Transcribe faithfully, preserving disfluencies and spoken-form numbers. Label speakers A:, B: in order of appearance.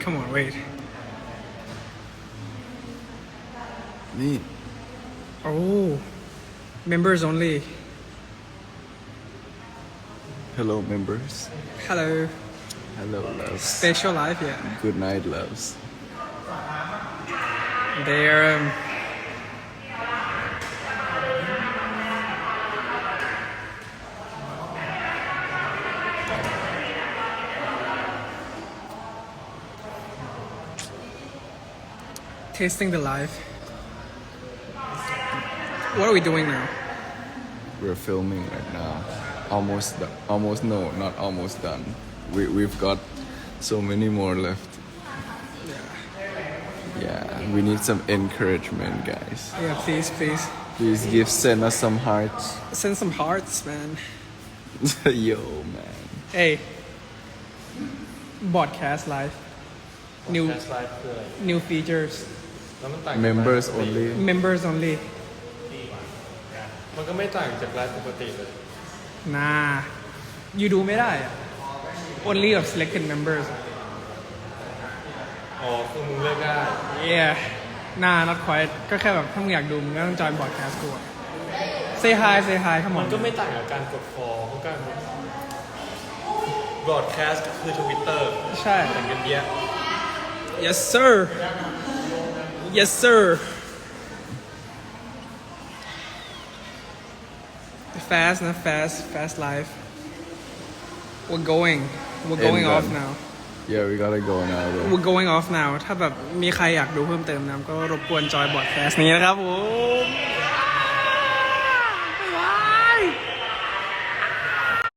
A: Come on, wait.
B: นี่
A: Oh, members only.
B: Hello members
A: Hello.
B: Hello loves
A: Special live, yeah.
B: Good night loves
A: They're um, tasting the live. What are we doing now?
B: We're filming right now. Almost do- almost no not almost done. We we've got so many more left. Yeah, we need some encouragement, guys.
A: Yeah, please, please.
B: Please give send us some hearts.
A: Send some hearts, man.
B: Yo, man.
A: Hey. Broadcast live. New
C: แคสไลฟ์คืออะไร
A: new features.
C: แล้วมันต่างจาก
B: Members
C: ไลฟ์ปกติ
B: only.
A: Members only.
C: มันก็ไม่ต่างจากไลฟ์ปกติเลย
A: Nah. You ดูไม่ได้อะ Only of selected members.
C: อ๋อคือมึงเลือกได้
A: Yeah. Nah, not quite. ก็แค่แบบถ้ามึงอยากดูมึงก็ต้องจอย broadcast กูอะ Say hi, say hi, come
C: มั
A: on.
C: นก็ไม่ต่างกับการกดฟอลเพราะการบรอดแคสต์คือทวิตเตอร์
A: ใช่
C: แต่งกันเยอะ
A: Yes sir. Yes sir. Fast นะ fast fast live. We're going. We're going
B: End
A: off
B: done.
A: now.
B: Yeah, we gotta go now though.
A: We're going off now. ถ้าแบบมีใครอยากดูเพิ่มเติมนะก็รบกวนจอยบอดแคสต์นี้นะครับผม